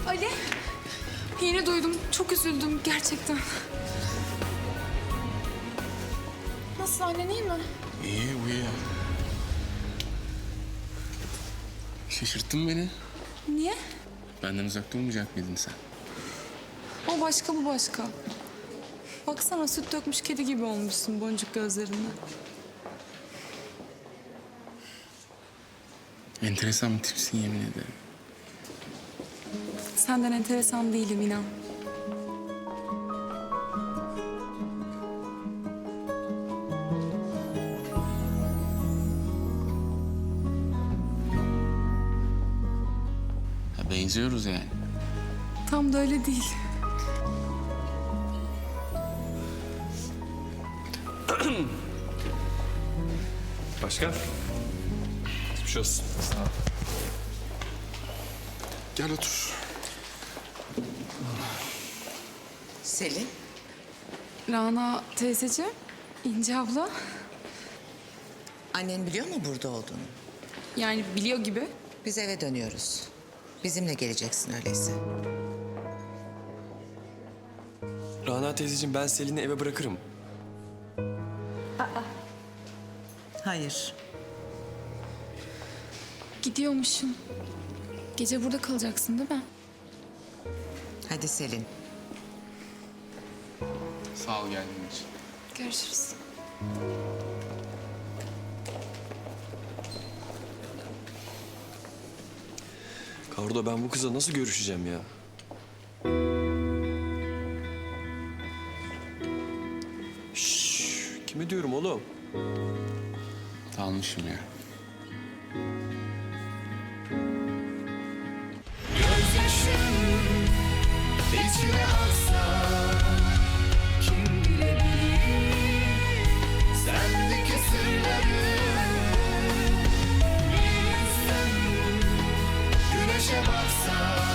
Ali, yeni duydum. Çok üzüldüm gerçekten. Nasıl, annen iyi mi? İyi, uyuyor. Şaşırttın beni. Niye? Benden uzak durmayacak mıydın sen? O başka, bu başka. Baksana, süt dökmüş kedi gibi olmuşsun boncuk gözlerinden. Enteresan bir tipsin, yemin ederim. Senden enteresan değilim, inan. Ha, benziyoruz yani. Tam da öyle değil. Başkan. Geçmiş olsun. Sağ ol. Gel otur. Selin, Rana teyzeciğim, İnce abla. annen biliyor mu burada olduğunu? Yani biliyor gibi. Biz eve dönüyoruz. Bizimle geleceksin öyleyse. Rana teyzeciğim, ben Selin'i eve bırakırım. Hayır. Gidiyormuşum. Gece burada kalacaksın değil mi? Hadi Selin. Sağ ol geldiğin için. Görüşürüz. Kardo, ben bu kızla nasıl görüşeceğim ya? Şşş, kime diyorum oğlum? Dalmışım ya. İçine aksa kim bilebilir sendeki sırları. Bir insan güneşe baksa